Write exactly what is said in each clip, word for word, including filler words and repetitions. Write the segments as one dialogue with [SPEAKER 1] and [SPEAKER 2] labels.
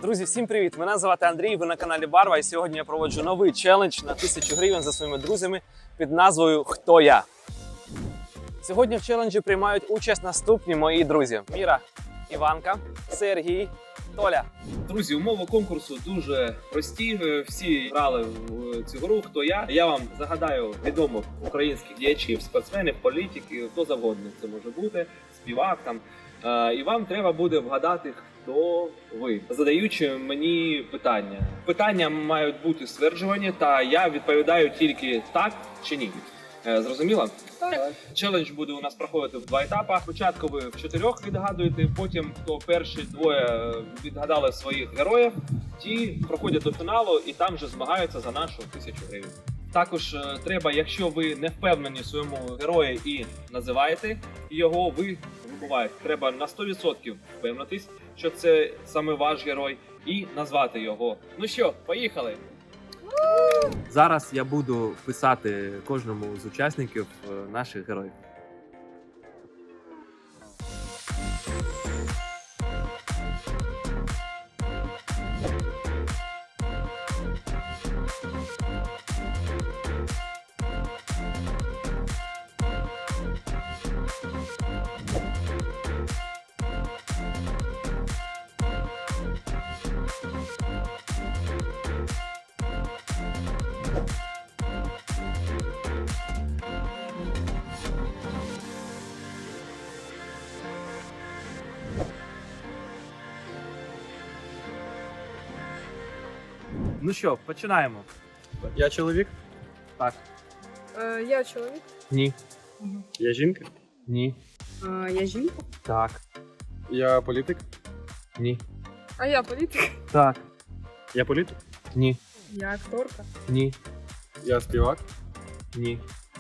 [SPEAKER 1] Друзі, всім привіт! Мене звати Андрій, ви на каналі Барва, і сьогодні я проводжу новий челендж на тисячу гривень за своїми друзями під назвою «Хто я?». Сьогодні в челенджі приймають участь наступні мої друзі: Міра, Іванка, Сергій, Толя.
[SPEAKER 2] Друзі, умови конкурсу дуже прості. Всі грали в цю гру «Хто я?». Я вам загадаю відомих українських діячів, спортсменів, політиків, хто завгодно це може бути, співак там. І вам треба буде вгадати, хто ви, задаючи мені питання. Питання мають бути стверджувані, та я відповідаю тільки так чи ні. Зрозуміло? Так. Челендж буде у нас проходити в два етапи. Спочатку ви в чотирьох відгадуєте, потім хто перші двоє відгадали своїх героїв, ті проходять до фіналу і там вже змагаються за нашу тисячу гривень. Також треба, якщо ви не впевнені в своєму герої і називаєте його, ви вибуваєте. Треба на сто відсотків впевнитись, що це саме ваш герой, і назвати його. Ну що, поїхали!
[SPEAKER 3] Зараз я буду писати кожному з учасників наших героїв. Ну що, починаємо.
[SPEAKER 4] Я чоловік?
[SPEAKER 3] Так.
[SPEAKER 5] Е, я чоловік.
[SPEAKER 3] Ні.
[SPEAKER 4] Я жінка?
[SPEAKER 3] Ні.
[SPEAKER 5] Е, я жінка.
[SPEAKER 3] Так.
[SPEAKER 4] Я політик?
[SPEAKER 3] Ні.
[SPEAKER 5] А я політик.
[SPEAKER 3] Так.
[SPEAKER 4] Я політик?
[SPEAKER 3] Ні.
[SPEAKER 5] Я акторка.
[SPEAKER 3] Ні.
[SPEAKER 4] Я співак?
[SPEAKER 3] Ні.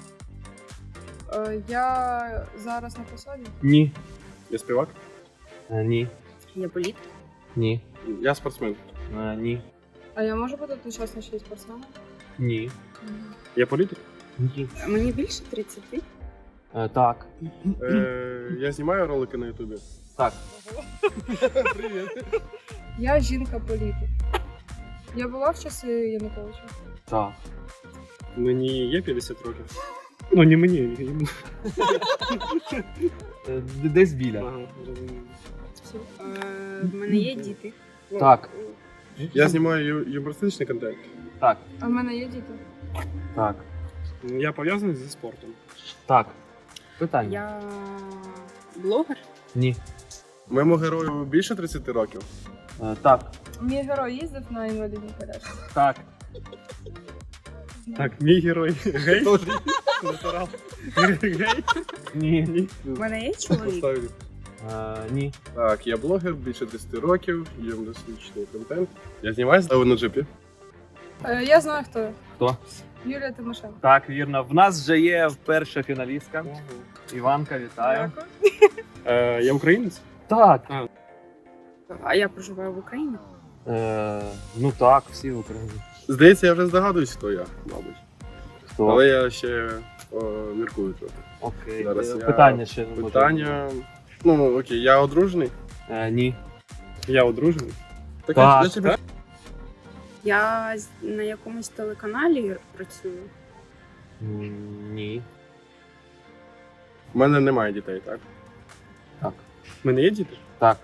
[SPEAKER 5] Е, я зараз на посаді.
[SPEAKER 3] Ні.
[SPEAKER 4] Я співак?
[SPEAKER 3] Е, Ні.
[SPEAKER 5] Я політик.
[SPEAKER 3] Ні.
[SPEAKER 4] Я спортсмен.
[SPEAKER 3] Е, Ні.
[SPEAKER 5] А я можу бути одночасно ще й спортсменом?
[SPEAKER 3] Ні.
[SPEAKER 4] Я політик?
[SPEAKER 3] Ні.
[SPEAKER 5] Мені більше тридцяти.
[SPEAKER 3] Е, Так.
[SPEAKER 4] Е, я знімаю ролики на ютубі.
[SPEAKER 3] Так.
[SPEAKER 4] Привіт.
[SPEAKER 5] Я жінка-політик. Я була в часи Януковича.
[SPEAKER 3] Так.
[SPEAKER 4] Мені є п'ятдесят років. Ну, не мені, йому.
[SPEAKER 3] Е, Десь біля.
[SPEAKER 4] Ага, розумію.
[SPEAKER 5] Е, в мене є діти.
[SPEAKER 3] Так.
[SPEAKER 4] Я знімаю ю- юмористичний контент.
[SPEAKER 3] Так.
[SPEAKER 5] А в мене є діти.
[SPEAKER 3] Так.
[SPEAKER 4] Я пов'язаний зі спортом.
[SPEAKER 3] Так. Питання.
[SPEAKER 5] Я блогер.
[SPEAKER 3] Ні.
[SPEAKER 4] Моєму герою більше тридцяти років.
[SPEAKER 3] Е, Так.
[SPEAKER 5] Мій герой їздив на інвалідній колясці.
[SPEAKER 3] Так.
[SPEAKER 4] Так, мій герой гей? Натурал. Гей?
[SPEAKER 3] Ні. Ні.
[SPEAKER 5] В мене є чоловік.
[SPEAKER 4] Поставлю.
[SPEAKER 3] Е, Ні.
[SPEAKER 4] Так, я блогер, більше десяти років, юмористичний контент. Я знімаюся на джипі.
[SPEAKER 5] Е, я знаю, хто я.
[SPEAKER 3] Хто?
[SPEAKER 5] Юлія Тимошенко.
[SPEAKER 3] Так, вірно. В нас вже є перша фіналістка. Іванка, вітаю.
[SPEAKER 5] Дякую.
[SPEAKER 4] Е, я українець?
[SPEAKER 3] Так.
[SPEAKER 5] А я проживаю в Україні.
[SPEAKER 3] Е, ну так, всі в Україні.
[SPEAKER 4] Здається, я вже здогадуюсь, хто я, мабуть.
[SPEAKER 3] Хто?
[SPEAKER 4] Але я ще о, міркую трохи.
[SPEAKER 3] Окей.
[SPEAKER 4] Зараз
[SPEAKER 3] Е,
[SPEAKER 4] я-
[SPEAKER 3] Питання ще не може.
[SPEAKER 4] Питання. Ну, окей, я одружений.
[SPEAKER 3] Е, ні.
[SPEAKER 4] Я одружений. Так,
[SPEAKER 3] Так,
[SPEAKER 4] я тебе...
[SPEAKER 5] Я з- на якомусь телеканалі працюю.
[SPEAKER 3] М, Ні.
[SPEAKER 4] У мене немає дітей, так?
[SPEAKER 3] Так.
[SPEAKER 4] У мене є діти?
[SPEAKER 3] Так.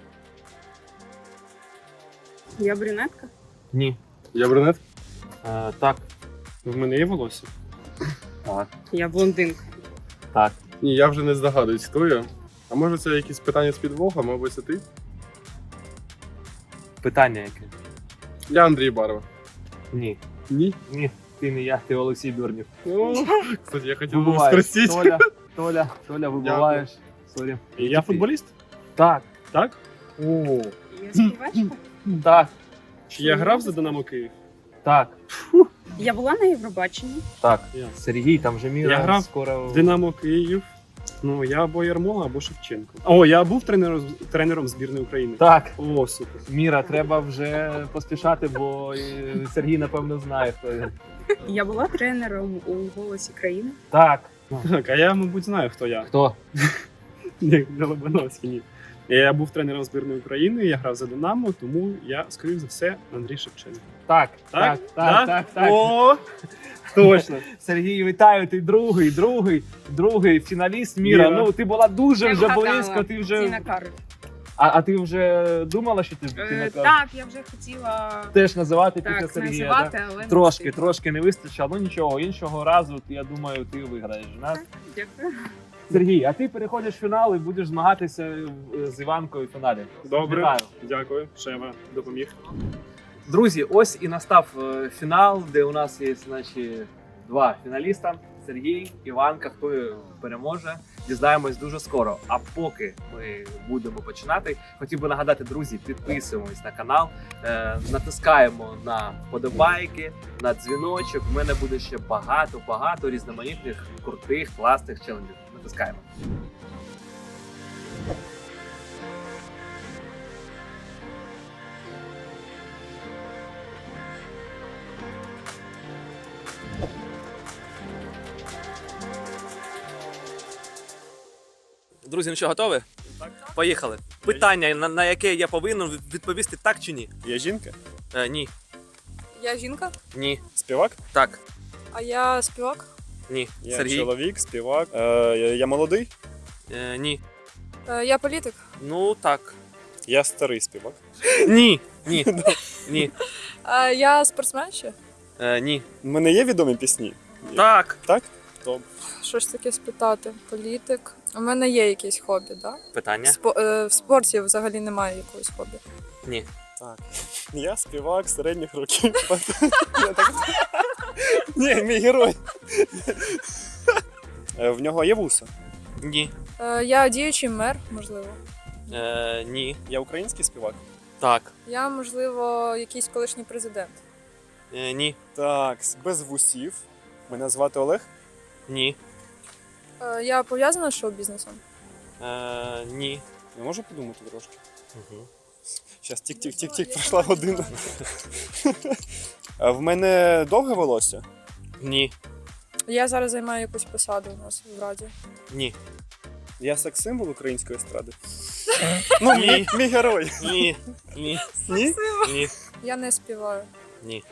[SPEAKER 5] Я брюнетка.
[SPEAKER 3] Ні.
[SPEAKER 4] Я брюнет?
[SPEAKER 3] Е, так.
[SPEAKER 4] В мене є волосся?
[SPEAKER 3] Так.
[SPEAKER 5] Я блондинка.
[SPEAKER 3] Так.
[SPEAKER 4] Ні, я вже не здогадуюсь, хто я. А може це якісь питання з підвохом, мабуть, це ти?
[SPEAKER 3] Питання яке?
[SPEAKER 4] Я Андрій Барва.
[SPEAKER 3] Ні.
[SPEAKER 4] Ні?
[SPEAKER 3] Ні. Ти не я, ти Олексій Бюрнів.
[SPEAKER 4] О, кстати, я хотів би
[SPEAKER 3] Вибуваєш.
[SPEAKER 4] спросити.
[SPEAKER 3] Толя, Толя, Толя, вибуваєш. Сорі.
[SPEAKER 4] Я футболіст?
[SPEAKER 3] Так.
[SPEAKER 4] Так? О.
[SPEAKER 5] Я співачка.
[SPEAKER 3] Так.
[SPEAKER 4] Чи я грав за Динамо Київ?
[SPEAKER 3] Так.
[SPEAKER 5] Я була на Євробаченні.
[SPEAKER 3] Так.
[SPEAKER 4] Я.
[SPEAKER 3] Сергій, там же Міра
[SPEAKER 6] Я грав
[SPEAKER 3] скоро.
[SPEAKER 6] В Динамо Київ. Ну, я або Ярмола, або Шевченко. О, я був тренером, тренером збірної України.
[SPEAKER 3] Так.
[SPEAKER 6] О, супер.
[SPEAKER 3] Міра, треба вже поспішати, бо е, Сергій, напевно, знає, хто він.
[SPEAKER 5] Я була тренером у «Голосі країни».
[SPEAKER 3] Так.
[SPEAKER 6] Так, а я, мабуть, знаю, хто я.
[SPEAKER 3] Хто?
[SPEAKER 6] Ні, не Лобановський, ні. Я був тренером збірної України, я грав за Динамо, тому я, скоріш за все, Андрій Шевченко.
[SPEAKER 1] Так,
[SPEAKER 6] Так?
[SPEAKER 1] так, так,
[SPEAKER 6] Да?
[SPEAKER 1] так, так.
[SPEAKER 6] О, точно.
[SPEAKER 1] Сергій, вітаю, ти другий, другий, другий фіналіст міра.
[SPEAKER 6] Міра.
[SPEAKER 1] Ну, ти була дуже
[SPEAKER 5] Я
[SPEAKER 1] вже
[SPEAKER 5] вгадала.
[SPEAKER 1] близько, ти вже.
[SPEAKER 5] Тіна Кароль.
[SPEAKER 1] А, а ти вже думала, що ти, ти
[SPEAKER 5] Е,
[SPEAKER 1] на-
[SPEAKER 5] Так, я вже хотіла
[SPEAKER 1] теж називати після
[SPEAKER 5] так
[SPEAKER 1] Сергія?
[SPEAKER 5] називати,
[SPEAKER 1] Да?
[SPEAKER 5] але не
[SPEAKER 1] Трошки,
[SPEAKER 5] встигла.
[SPEAKER 1] трошки не вистачило, ну нічого, іншого разу, я думаю, ти виграєш. Да?
[SPEAKER 5] Дякую.
[SPEAKER 1] Сергій, а ти переходиш в фінал і будеш змагатися е, з Іванкою в фіналі.
[SPEAKER 6] Добре,
[SPEAKER 1] Вітаю.
[SPEAKER 6] дякую, Шева допоміг.
[SPEAKER 1] Друзі, ось і настав е, фінал, де у нас є, значить, два фіналіста: Сергій, Іванка. Хто переможе, дізнаємось дуже скоро. А поки ми будемо починати, хотів би нагадати, друзі, підписуємось на канал, е, натискаємо на вподобайки, на дзвіночок. У мене буде ще багато-багато різноманітних, крутих, класних челенджів. Натискаємо. Друзі, ну що, готові?
[SPEAKER 6] Так.
[SPEAKER 1] Поїхали. Питання, на, на яке я повинен відповісти так чи ні?
[SPEAKER 4] Я жінка?
[SPEAKER 1] Е, ні.
[SPEAKER 5] Я жінка,
[SPEAKER 1] Ні.
[SPEAKER 4] Співак?
[SPEAKER 1] Так.
[SPEAKER 5] а я співак.
[SPEAKER 1] Ні.
[SPEAKER 4] Я
[SPEAKER 1] Сергій?
[SPEAKER 4] чоловік, співак. Е, я, я молодий?
[SPEAKER 1] Е, ні.
[SPEAKER 5] Е, Я політик.
[SPEAKER 1] Ну так.
[SPEAKER 4] Я старий співак.
[SPEAKER 1] Ні. Ні. Ні.
[SPEAKER 5] Е, Я спортсмен ще.
[SPEAKER 1] Е, ні.
[SPEAKER 4] У мене є відомі пісні?
[SPEAKER 1] Так.
[SPEAKER 4] Так? Добре.
[SPEAKER 5] Що ж таке спитати? Політик. У мене є якесь хобі, так?
[SPEAKER 1] Питання?
[SPEAKER 5] Спо- е, В спорті взагалі немає якогось хобі.
[SPEAKER 1] Ні.
[SPEAKER 4] Так. Я співак середніх років. Я так- Ні, мій герой. Е, В нього є вуса.
[SPEAKER 1] Ні.
[SPEAKER 5] Е, Я діючий мер, можливо.
[SPEAKER 1] Е, ні.
[SPEAKER 4] Я український співак.
[SPEAKER 1] Так.
[SPEAKER 5] Я, можливо, якийсь колишній президент.
[SPEAKER 1] Е, ні.
[SPEAKER 4] Так, без вусів. Мене звати Олег.
[SPEAKER 1] Ні.
[SPEAKER 5] Е, Я пов'язана з шоу-бізнесом.
[SPEAKER 1] Е, ні.
[SPEAKER 4] Я можу подумати трошки.
[SPEAKER 1] Угу.
[SPEAKER 4] Зараз тік-тік-тік-тік, пройшла година. Е, В мене довге волосся?
[SPEAKER 1] Ні.
[SPEAKER 5] Я зараз займаю якусь посаду у нас в раді.
[SPEAKER 1] Ні.
[SPEAKER 4] Я секс-символ української естради. Ну,
[SPEAKER 1] Ні.
[SPEAKER 4] мій, мій герой.
[SPEAKER 1] Ні. Ні.
[SPEAKER 4] Ні?
[SPEAKER 1] Ні.
[SPEAKER 5] Я не співаю.
[SPEAKER 1] Ні.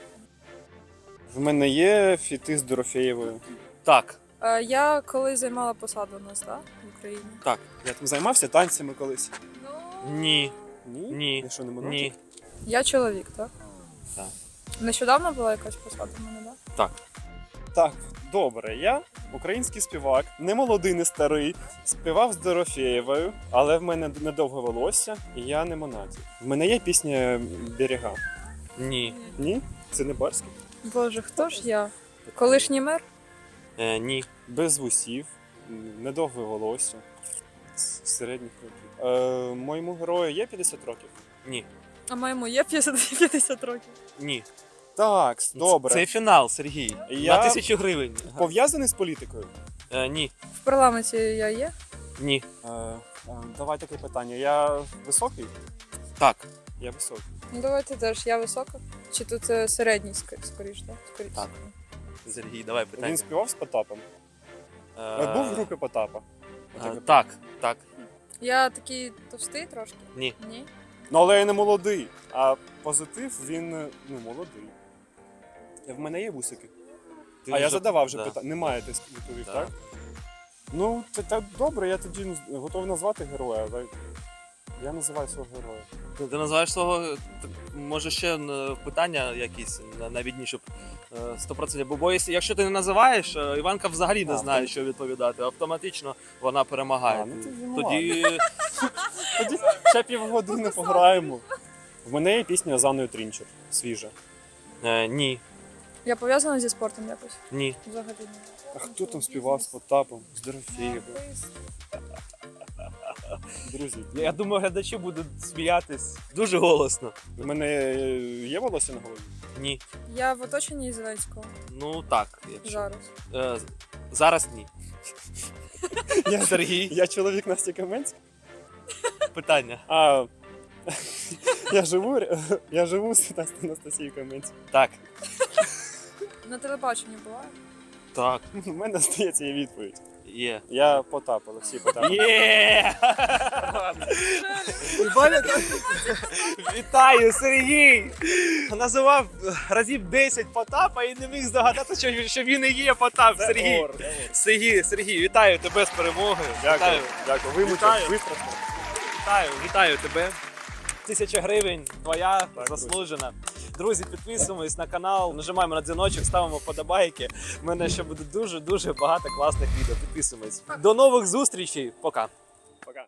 [SPEAKER 4] В мене є фіти з Дорофєєвою.
[SPEAKER 1] Так.
[SPEAKER 5] Е, Я колись займала посаду у нас, так? В Україні.
[SPEAKER 1] Так.
[SPEAKER 4] Я там займався танцями колись.
[SPEAKER 5] Ну,
[SPEAKER 1] Ні.
[SPEAKER 4] Ні?
[SPEAKER 1] Ні.
[SPEAKER 4] Я що, не монатик?
[SPEAKER 1] Ні.
[SPEAKER 5] я чоловік, так?
[SPEAKER 1] Так.
[SPEAKER 5] Нещодавно була якась посада в мене, так?
[SPEAKER 1] Так.
[SPEAKER 4] Так, добре. Я український співак, не молодий, не старий. Співав з Дорофєєвою, але в мене недовге волосся, і я не монатик. В мене є пісня «Берега».
[SPEAKER 1] Ні.
[SPEAKER 4] Ні? Це не барський?
[SPEAKER 5] Боже, хто ж я? Колишній мер?
[SPEAKER 1] Е, ні.
[SPEAKER 4] Без вусів, недовге волосся, з середніх років. Е, моєму герою є п'ятдесят років?
[SPEAKER 1] Ні.
[SPEAKER 5] А моєму є п'ятдесят п'ятдесят років.
[SPEAKER 1] Ні.
[SPEAKER 4] Так, добре.
[SPEAKER 1] Це фінал, Сергій.
[SPEAKER 4] Я-
[SPEAKER 1] На тисячу гривень.
[SPEAKER 4] Пов'язаний з політикою?
[SPEAKER 1] Е, ні.
[SPEAKER 5] В парламенті я є?
[SPEAKER 1] Ні.
[SPEAKER 4] Е, е, давай таке питання. Я високий?
[SPEAKER 1] Так.
[SPEAKER 4] Я високий.
[SPEAKER 5] Ну давайте теж, я висока. Чи тут е, середній ск- скоріш, так? Скоріше.
[SPEAKER 1] Так. Сергій, давай питання.
[SPEAKER 4] Він співав з Потапом?
[SPEAKER 1] Е,
[SPEAKER 4] Е, Був в групі Потапа?
[SPEAKER 1] е, Так, так.
[SPEAKER 5] Я такий товстий трошки?
[SPEAKER 1] Ні.
[SPEAKER 5] Ні.
[SPEAKER 4] Ну, але я не молодий. А позитив він е, ну, молодий. Е, В мене є вусики.
[SPEAKER 1] Ти
[SPEAKER 4] а я
[SPEAKER 1] вже-
[SPEAKER 4] задавав вже
[SPEAKER 1] да.
[SPEAKER 4] питання. Немає, ти відповів,
[SPEAKER 1] Да.
[SPEAKER 4] так? Ну, це так добре, я тоді ну, готовий назвати героя. але Я називаю свого героя.
[SPEAKER 1] Ти, ти називаєш свого, так, може ще е, питання якісь на- навідні, щоб е, сто відсотків. Бо, бо якщо- якщо ти не називаєш, е, Іванка взагалі не
[SPEAKER 4] А,
[SPEAKER 1] знає,
[SPEAKER 4] так.
[SPEAKER 1] що відповідати. Автоматично вона перемагає.
[SPEAKER 4] А, ну, тоді ну
[SPEAKER 1] Тоді
[SPEAKER 4] Тоді ще півгодини пограємо. В мене є пісня з Анною Трінчер. Свіжа.
[SPEAKER 1] е, ні.
[SPEAKER 5] Я пов'язана зі спортом якось?
[SPEAKER 1] Ні.
[SPEAKER 5] Взагалі ні.
[SPEAKER 4] А хто там співав з Потапом? З Дорофєєвою? Друзі,
[SPEAKER 1] Я думаю, глядачі будуть сміятись дуже голосно.
[SPEAKER 4] в мене є волосся на голові?
[SPEAKER 1] Ні.
[SPEAKER 5] Я в оточенні Зеленського
[SPEAKER 1] Ну так, якщо.
[SPEAKER 5] зараз.
[SPEAKER 1] Е, зараз ні.
[SPEAKER 4] Я,
[SPEAKER 1] Сергій,
[SPEAKER 4] я чоловік Насті Каменської.
[SPEAKER 1] питання.
[SPEAKER 4] А я живу, р- я живу з Насті- Анастасією Каменською.
[SPEAKER 1] Так.
[SPEAKER 5] На телебаченні була?
[SPEAKER 1] Так.
[SPEAKER 4] У мене здається є відповідь.
[SPEAKER 1] Є.
[SPEAKER 4] Я Потап, Олексій Потап.
[SPEAKER 1] Є! Вітаю, Сергій! Називав разів десять Потапа і не міг здогадатися, що, що він і є Потап.
[SPEAKER 4] Це
[SPEAKER 1] Сергій.
[SPEAKER 4] ор, це ор.
[SPEAKER 1] Сергій, Сергій, вітаю тебе з перемогою.
[SPEAKER 4] Дякую,
[SPEAKER 1] Вітаю,
[SPEAKER 4] дякую. Вимучив,
[SPEAKER 1] Вітаю.
[SPEAKER 4] вистражно.
[SPEAKER 1] вітаю, вітаю тебе. Тисяча гривень, твоя,
[SPEAKER 4] Так,
[SPEAKER 1] заслужена. Друзі, підписуємось на канал, нажимаємо на дзвіночок, ставимо вподобайки. У мене ще буде дуже-дуже багато класних відео. Підписуємось. До нових зустрічей. Пока.